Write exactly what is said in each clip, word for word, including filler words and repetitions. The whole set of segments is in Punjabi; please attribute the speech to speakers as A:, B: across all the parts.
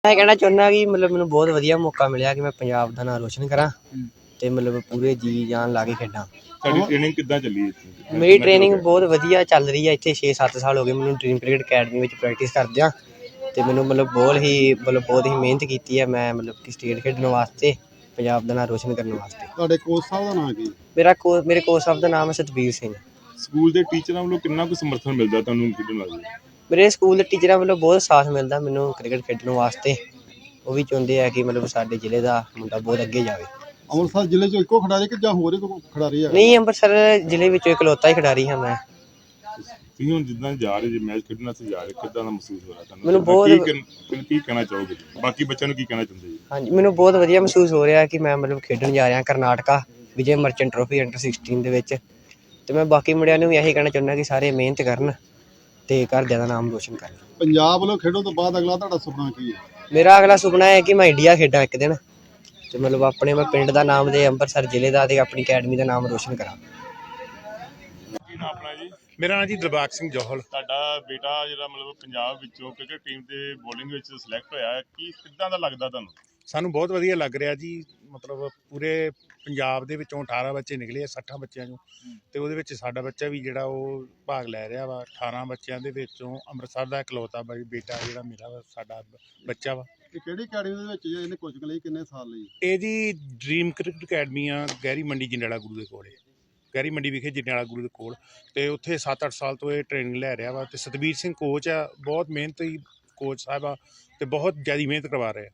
A: मैं कहना चाहुंदा कि मतलब मैनूं बहुत वधिया मौका मिलिया कि मैं पंजाब दा नाम रोशन करां ते मतलब पूरे जी जान ला के खेडां।
B: ਤੁਹਾਡੀ ਟ੍ਰੇਨਿੰਗ ਕਿੱਦਾਂ ਚੱਲੀ ਇੱਥੇ?
A: मेरी ट्रेनिंग बहुत वधिया चल रही है इत्थे छे सत्त साल हो गए मैनूं ड्रीम क्रिकेट अकैडमी विच प्रैक्टिस करदिआं ते मैनूं मतलब बहुत ही मतलब बहुत ही मेहनत कीती है मैं मतलब कि स्टेट खेडण वास्ते पंजाब दा नाम रोशन करने वास्ते।
B: ਤੁਹਾਡੇ ਕੋਚ ਸਾਹਿਬ ਦਾ ਨਾਮ ਕੀ?
A: मेरा को मेरे कोच साहब दा नाम है सतबीर सिंह।
B: ਸਕੂਲ ਦੇ ਟੀਚਰਾਂ ਵੱਲੋਂ ਕਿੰਨਾ ਕੁ ਸਮਰਥਨ ਮਿਲਦਾ ਤੁਹਾਨੂੰ ਖੇਡਣ ਵਾਸਤੇ?
A: मेरे स्कूल दे टीचरां ਵੱਲੋਂ बहुत साथ मिलदा मैनूं क्रिकेट खेडण वास्ते। ਉਹ ਵੀ ਚਾਹੁੰਦੇ ਆ ਕਿ ਮਤਲਬ ਸਾਡੇ ਜ਼ਿਲ੍ਹੇ ਦਾ ਮੁੰਡਾ ਬਹੁਤ ਅੱਗੇ ਜਾਵੇ।
B: ਅੰਮ੍ਰਿਤਸਰ ਜ਼ਿਲ੍ਹੇ 'ਚੋਂ ਇੱਕੋ ਖਿਡਾਰੀ ਕਿ ਜਾਂ ਹੋਰ ਕੋਈ ਖਿਡਾਰੀ ਹੈ?
A: ਨਹੀਂ ਅੰਮ੍ਰਿਤਸਰ ਜ਼ਿਲ੍ਹੇ ਵਿੱਚੋਂ ਇਕਲੌਤਾ ਹੀ ਖਿਡਾਰੀ ਹਾਂ ਮੈਂ।
B: ਤੁਸੀਂ ਹੁਣ ਜਿੱਦਾਂ ਜਾ ਰਹੇ ਜੇ ਮੈਚ ਖੇਡਣ ਵਾਸਤੇ ਜਾ ਰਹੇ ਕਿੱਦਾਂ ਦਾ ਮਹਿਸੂਸ ਹੋ ਰਿਹਾ ਤੁਹਾਨੂੰ?
A: ਮੈਨੂੰ ਬਹੁਤ
B: ਕੀ ਕੀ ਕਹਿਣਾ ਚਾਹੋਗੇ ਬਾਕੀ ਬੱਚਿਆਂ ਨੂੰ ਕੀ ਕਹਿਣਾ ਚਾਹੁੰਦੇ ਜੀ?
A: ਹਾਂਜੀ ਮੈਨੂੰ ਬਹੁਤ ਵਧੀਆ ਮਹਿਸੂਸ ਹੋ ਰਿਹਾ ਕਿ ਮੈਂ ਮਤਲਬ ਖੇਡਣ ਜਾ ਰਿਹਾ Karnataka Vijay Merchant trophy under sixteen ਦੇ ਵਿੱਚ ਤੇ ਮੈਂ ਬਾਕੀ ਮੁੰਡਿਆਂ ਨੂੰ ਵੀ ਇਹੀ ਕਹਿਣਾ ਚਾਹੁੰਦਾ ਕਿ ਸਾਰੇ ਮਿਹਨਤ ਕਰਨ ਤੇ ਘਰਦਿਆਂ ਦਾ ਨਾਮ ਰੋਸ਼ਨ ਕਰਨ।
B: ਪੰਜਾਬ ਵੱਲੋਂ ਖੇਡਣ ਤੋਂ ਬਾਅਦ ਅਗਲਾ ਤੁਹਾਡਾ ਸੁਪਨਾ ਕੀ ਹੈ?
A: ਮੇਰਾ ਅਗਲਾ ਸੁਪਨਾ ਹੈ ਕਿ ਮੈਂ ਇੰਡੀਆ ਖੇਡਾਂ ਇੱਕ ਦਿਨ ਤੇ ਮਤਲਬ ਆਪਣੇ ਮੈਂ ਪਿੰਡ ਦਾ ਨਾਮ ਤੇ ਅੰਮ੍ਰਿਤਸਰ ਜ਼ਿਲ੍ਹੇ ਦਾ ਤੇ ਆਪਣੀ ਅਕੈਡਮੀ ਦਾ ਨਾਮ ਰੋਸ਼ਨ ਕਰਾਂ।
B: ਕੀ ਨਾਮ ਆਪਣਾ ਜੀ?
C: ਮੇਰਾ ਨਾਮ ਜੀ ਦਿਲਬਾਗ ਸਿੰਘ ਜੋਹਲ।
B: ਤੁਹਾਡਾ ਬੇਟਾ ਜਿਹੜਾ ਮਤਲਬ ਪੰਜਾਬ ਵਿੱਚੋਂ ਕ੍ਰਿਕਟ ਟੀਮ ਦੇ ਬੋਲਿੰਗ ਵਿੱਚ ਸਿਲੈਕਟ ਹੋਇਆ ਕੀ ਕਿੱਦਾਂ ਦਾ ਲੱਗਦਾ ਤੁਹਾਨੂੰ?
C: ਸਾਨੂੰ ਬਹੁਤ ਵਧੀਆ ਲੱਗ ਰਿਹਾ ਜੀ। ਮਤਲਬ ਪੂਰੇ ਪੰਜਾਬ ਦੇ ਵਿੱਚੋਂ ਅਠਾਰਾਂ ਬੱਚੇ ਨਿਕਲੇ ਆ ਸੱਠਾਂ ਬੱਚਿਆਂ ਚੋਂ ਤੇ ਉਹਦੇ ਵਿੱਚ ਸਾਡਾ ਬੱਚਾ ਵੀ ਜਿਹੜਾ ਉਹ ਭਾਗ ਲੈ ਰਿਹਾ ਵਾ। ਅਠਾਰਾਂ ਬੱਚਿਆਂ ਦੇ ਵਿੱਚੋਂ ਅੰਮ੍ਰਿਤਸਰ ਦਾ ਇਕਲੌਤਾ ਬਾਈ ਬੇਟਾ ਜਿਹੜਾ ਮੇਰਾ ਵਾ ਸਾਡਾ ਬੱਚਾ ਵਾ।
B: ਇਹ ਕਿਹੜੀ ਅਕੈਡਮੀ ਦੇ ਵਿੱਚ ਇਹਨੇ ਕੋਚਿੰਗ ਲਈ ਕਿੰਨੇ ਸਾਲ ਲਈ?
C: ਇਹ ਜੀ ਡ੍ਰੀਮ ਕ੍ਰਿਕਟ ਅਕੈਡਮੀ ਆ ਗਹਿਰੀ ਮੰਡੀ ਜੰਡਿਆਲਾ ਗੁਰੂ ਦੇ ਕੋਲ। ਗਹਿਰੀ ਮੰਡੀ ਵਿਖੇ ਜੰਡਿਆਲਾ ਗੁਰੂ ਦੇ ਕੋਲ ਤੇ ਉੱਥੇ ਸੱਤ ਅੱਠ ਸਾਲ ਤੋਂ ਇਹ ਟ੍ਰੇਨਿੰਗ ਲੈ ਰਿਹਾ ਵਾ ਤੇ ਸਤਬੀਰ ਸਿੰਘ ਕੋਚ ਆ। ਬਹੁਤ ਮਿਹਨਤੀ ਕੋਚ ਸਾਹਿਬ ਆ ਤੇ ਬਹੁਤ ਜ਼ਿਆਦਾ ਮਿਹਨਤ ਕਰਵਾ ਰਹੇ ਆ।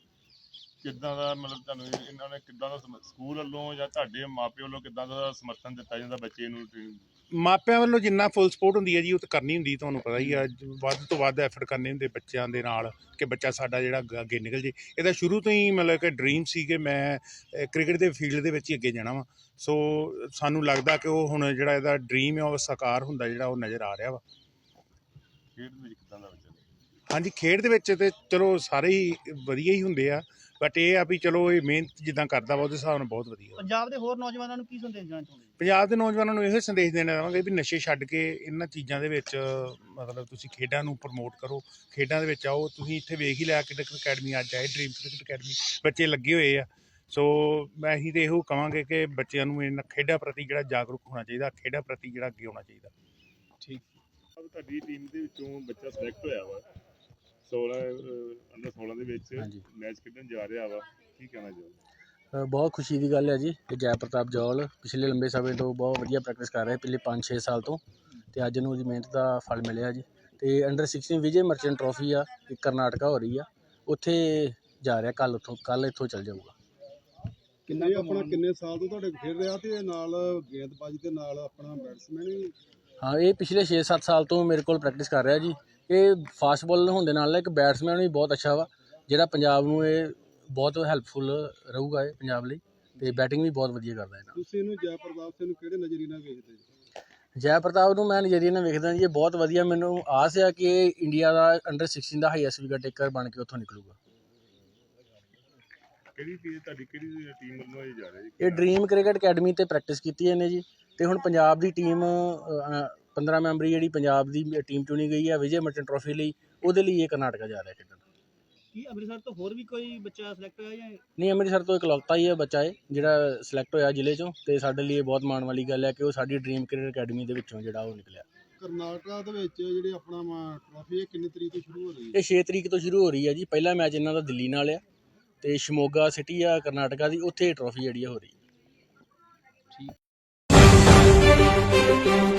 B: ਕਿੱਦਾਂ ਦਾ ਮਤਲਬ ਤੁਹਾਨੂੰ ਇਹਨਾਂ ਨੇ ਕਿੱਦਾਂ ਦਾ ਸਕੂਲ ਵੱਲੋਂ ਜਾਂ ਤੁਹਾਡੇ ਮਾਪਿਆਂ ਵੱਲੋਂ ਕਿੱਦਾਂ ਦਾ ਸਮਰਥਨ ਦਿੱਤਾ ਜਾਂਦਾ ਬੱਚੇ ਨੂੰ?
C: ਮਾਪਿਆਂ ਵੱਲੋਂ ਜਿੰਨਾ ਫੁੱਲ ਸਪੋਰਟ ਹੁੰਦੀ ਹੈ ਜੀ ਉਹ ਤਾਂ ਕਰਨੀ ਹੁੰਦੀ, ਤੁਹਾਨੂੰ ਪਤਾ ਹੀ ਆ। ਵੱਧ ਤੋਂ ਵੱਧ ਐਫਰਟ ਕਰਨੇ ਹੁੰਦੇ ਬੱਚਿਆਂ ਦੇ ਨਾਲ ਕਿ ਬੱਚਾ ਸਾਡਾ ਜਿਹੜਾ ਅੱਗੇ ਨਿਕਲ ਜੇ। ਇਹਦਾ ਸ਼ੁਰੂ ਤੋਂ ਹੀ ਮਤਲਬ ਕਿ ਡਰੀਮ ਸੀ ਕਿ ਮੈਂ ਕ੍ਰਿਕਟ ਦੇ ਫੀਲਡ ਦੇ ਵਿੱਚ ਹੀ ਅੱਗੇ ਜਾਣਾ ਵਾ। ਸੋ ਸਾਨੂੰ ਲੱਗਦਾ ਕਿ ਉਹ ਹੁਣ ਜਿਹੜਾ ਇਹਦਾ ਡਰੀਮ ਹੈ ਉਹ ਸਾਕਾਰ ਹੁੰਦਾ ਜਿਹੜਾ ਉਹ ਨਜ਼ਰ ਆ ਰਿਹਾ ਵਾ।
B: ਖੇਡ ਵਿੱਚ ਕਿੱਦਾਂ ਦਾ ਬੱਚਾ?
C: ਹਾਂਜੀ ਖੇਡ ਦੇ ਵਿੱਚ ਤੇ ਚਲੋ ਸਾਰੇ ਹੀ ਵਧੀਆ ਹੀ ਹੁੰਦੇ ਆ ਬਟ ਇਹ ਆ ਵੀ ਚਲੋ ਇਹ ਮਿਹਨਤ ਜਿੱਦਾਂ ਕਰਦਾ ਵਾ ਉਹਦੇ ਹਿਸਾਬ ਨਾਲ ਬਹੁਤ ਵਧੀਆ।
D: ਪੰਜਾਬ ਦੇ ਹੋਰ ਨੌਜਵਾਨਾਂ ਨੂੰ ਕੀ ਸੰਦੇਸ਼ ਦੇਣਾ ਚਾਹੁੰਦੇ?
C: ਪੰਜਾਬ ਦੇ ਨੌਜਵਾਨਾਂ ਨੂੰ ਇਹੋ ਸੰਦੇਸ਼ ਦੇਣਾ ਚਾਹਾਂਗੇ ਵੀ ਨਸ਼ੇ ਛੱਡ ਕੇ ਇਹਨਾਂ ਚੀਜ਼ਾਂ ਦੇ ਵਿੱਚ ਮਤਲਬ ਤੁਸੀਂ ਖੇਡਾਂ ਨੂੰ ਪ੍ਰਮੋਟ ਕਰੋ, ਖੇਡਾਂ ਦੇ ਵਿੱਚ ਆਓ। ਤੁਸੀਂ ਇੱਥੇ ਵੇਖ ਹੀ ਲਿਆ ਕ੍ਰਿਕਟ ਅਕੈਡਮੀ ਅੱਜ ਆਏ ਡ੍ਰੀਮ ਕ੍ਰਿਕਟ ਅਕੈਡਮੀ ਬੱਚੇ ਲੱਗੇ ਹੋਏ ਆ। ਸੋ ਮੈਂ ਅਸੀਂ ਤਾਂ ਇਹੋ ਕਹਾਂਗੇ ਕਿ ਬੱਚਿਆਂ ਨੂੰ ਇਹਨਾਂ ਖੇਡਾਂ ਪ੍ਰਤੀ ਜਿਹੜਾ ਜਾਗਰੂਕ ਹੋਣਾ ਚਾਹੀਦਾ, ਖੇਡਾਂ ਪ੍ਰਤੀ ਜਿਹੜਾ ਅੱਗੇ ਆਉਣਾ ਚਾਹੀਦਾ।
B: ਠੀਕ। ਤੁਹਾਡੀ ਟੀਮ ਦੇ ਵਿੱਚੋਂ ਬੱਚਾ ਸਿਲੈਕਟ ਹੋਇਆ ਵਾ ਸੋਲਾਂ ਅੰਡਰ ਸੋਲਾਂ ਦੇ ਵਿੱਚ ਮੈਚ ਖੇਡਣ ਜਾ ਰਿਹਾ ਵਾ, ਕੀ ਕਹਿਣਾ ਚਾਹੋਗੇ?
E: ਬਹੁਤ ਖੁਸ਼ੀ ਦੀ ਗੱਲ ਹੈ ਜੀ ਕਿ ਜੈ ਪ੍ਰਤਾਪ ਜੌਲ ਪਿਛਲੇ ਲੰਬੇ ਸਮੇਂ ਤੋਂ ਬਹੁਤ ਵਧੀਆ ਪ੍ਰੈਕਟਿਸ ਕਰ ਰਿਹਾ ਪਿਛਲੇ ਪੰਜ ਛੇ ਸਾਲ ਤੋਂ ਅਤੇ ਅੱਜ ਨੂੰ ਉਹਦੀ ਮਿਹਨਤ ਦਾ ਫਲ ਮਿਲਿਆ ਜੀ। ਅਤੇ under sixteen Vijay Merchant trophy ਆ ਇੱਕ ਕਰਨਾਟਕਾ ਹੋ ਰਹੀ ਆ, ਉੱਥੇ ਜਾ ਰਿਹਾ ਕੱਲ੍ਹ ਉੱਥੋਂ ਕੱਲ੍ਹ ਇੱਥੋਂ ਚੱਲ ਜਾਊਗਾ।
B: ਕਿੰਨੇ ਆਪਣਾ ਕਿੰਨੇ ਸਾਲ ਤੋਂ ਤੁਹਾਡੇ ਖੇਡ ਰਿਹਾ ਅਤੇ ਨਾਲ ਗੇਂਦਬਾਜ਼ੀ ਦੇ ਨਾਲ ਆਪਣਾ ਬੈਟਸਮੈਨ ਵੀ?
E: ਹਾਂ ਇਹ ਪਿਛਲੇ ਛੇ ਸੱਤ ਸਾਲ ਤੋਂ ਮੇਰੇ ਕੋਲ ਪ੍ਰੈਕਟਿਸ ਕਰ ਰਿਹਾ ਜੀ। ਇਹ ਫਾਸਟ ਬੋਲਰ ਹੋਣ ਦੇ ਨਾਲ ਇੱਕ ਬੈਟਸਮੈਨ ਵੀ ਬਹੁਤ ਅੱਛਾ ਵਾ ਜਿਹੜਾ ਪੰਜਾਬ ਨੂੰ ਇਹ ਬਹੁਤ ਹੈਲਪਫੁਲ ਰਹੂਗਾ ਇਹ ਪੰਜਾਬ ਲਈ ਅਤੇ ਬੈਟਿੰਗ ਵੀ ਬਹੁਤ ਵਧੀਆ ਕਰਦਾ ਹੈ।
B: ਤੁਸੀਂ ਇਹਨੂੰ ਜੈ ਪ੍ਰਤਾਪ ਸਿੰਘ ਨੂੰ ਕਿਹੜੇ ਨਜ਼ਰੀਏ ਨਾਲ ਵੇਖਦੇ ਜੀ?
E: ਜੈ ਪ੍ਰਤਾਪ ਨੂੰ ਮੈਂ ਨਜ਼ਰੀਏ ਨਾਲ ਵੇਖਦਾ ਜੀ ਇਹ ਬਹੁਤ ਵਧੀਆ। ਮੈਨੂੰ ਆਸ ਆ ਕਿ ਇਹ ਇੰਡੀਆ ਦਾ ਅੰਡਰ ਸਿਕਸਟੀਨ ਦਾ ਹਾਈਐਸਟ ਵਿਕਟ ਟੇਕਰ ਬਣ ਕੇ ਉੱਥੋਂ ਨਿਕਲੂਗਾ।
B: ਕਿਹੜੀ ਟੀਮ ਤੁਹਾਡੀ ਕਿਹੜੀ ਟੀਮ ਵੱਲੋਂ ਇਹ ਜਾ ਰਿਹਾ ਜੀ?
E: ਇਹ ਡ੍ਰੀਮ ਕ੍ਰਿਕਟ ਅਕੈਡਮੀ 'ਤੇ ਪ੍ਰੈਕਟਿਸ ਕੀਤੀ ਇਹਨੇ ਜੀ ਅਤੇ ਹੁਣ ਪੰਜਾਬ ਦੀ ਟੀਮ ਪੰਦਰਾਂ ਮੈਂਬਰੀ ਜਿਹੜੀ ਪੰਜਾਬ ਦੀ ਟੀਮ ਚੁਣੀ ਗਈ ਹੈ ਵਿਜੇ ਮਰਚੈਂਟ ਟਰੋਫੀ ਲਈ, ਉਹਦੇ ਲਈ ਇਹ ਕਰਨਾਟਕਾ ਜਾ ਰਿਹਾ ਖੇਡਣ।
D: ਕੀ ਅੰਮ੍ਰਿਤਸਰ ਤੋਂ ਹੋਰ ਵੀ ਕੋਈ ਬੱਚਾ ਸਿਲੈਕਟ ਹੋਇਆ ਜਾਂ?
E: ਨਹੀਂ ਅੰਮ੍ਰਿਤਸਰ ਤੋਂ ਇਕਲੌਤਾ ਹੀ ਹੈ ਬੱਚਾ ਇਹ ਜਿਹੜਾ ਸਿਲੈਕਟ ਹੋਇਆ ਜ਼ਿਲ੍ਹੇ 'ਚੋਂ ਅਤੇ ਸਾਡੇ ਲਈ ਇਹ ਬਹੁਤ ਮਾਣ ਵਾਲੀ ਗੱਲ ਹੈ ਕਿ ਉਹ ਸਾਡੀ ਡ੍ਰੀਮ ਕ੍ਰਿਕਟ ਅਕੈਡਮੀ ਦੇ ਵਿੱਚੋਂ ਜਿਹੜਾ ਉਹ ਨਿਕਲਿਆ।
B: ਕਰਨਾਟਕਾ ਦੇ ਵਿੱਚ ਜਿਹੜੀ ਆਪਣਾ ਟਰੋਫੀ ਇਹ ਕਿੰਨੀ ਤਰੀਕ ਤੋਂ ਸ਼ੁਰੂ ਹੋ ਰਹੀ ਹੈ?
E: ਇਹ ਛੇ ਤਰੀਕ ਤੋਂ ਸ਼ੁਰੂ ਹੋ ਰਹੀ ਹੈ ਜੀ। ਪਹਿਲਾ ਮੈਚ ਇਹਨਾਂ ਦਾ ਦਿੱਲੀ ਨਾਲ ਆ ਅਤੇ ਸ਼ਿਮੋਗਾ ਸਿਟੀ ਆ ਕਰਨਾਟਕਾ ਦੀ, ਉੱਥੇ ਟਰੋਫੀ ਜਿਹੜੀ ਆ ਹੋ ਰਹੀ। ਠੀਕ।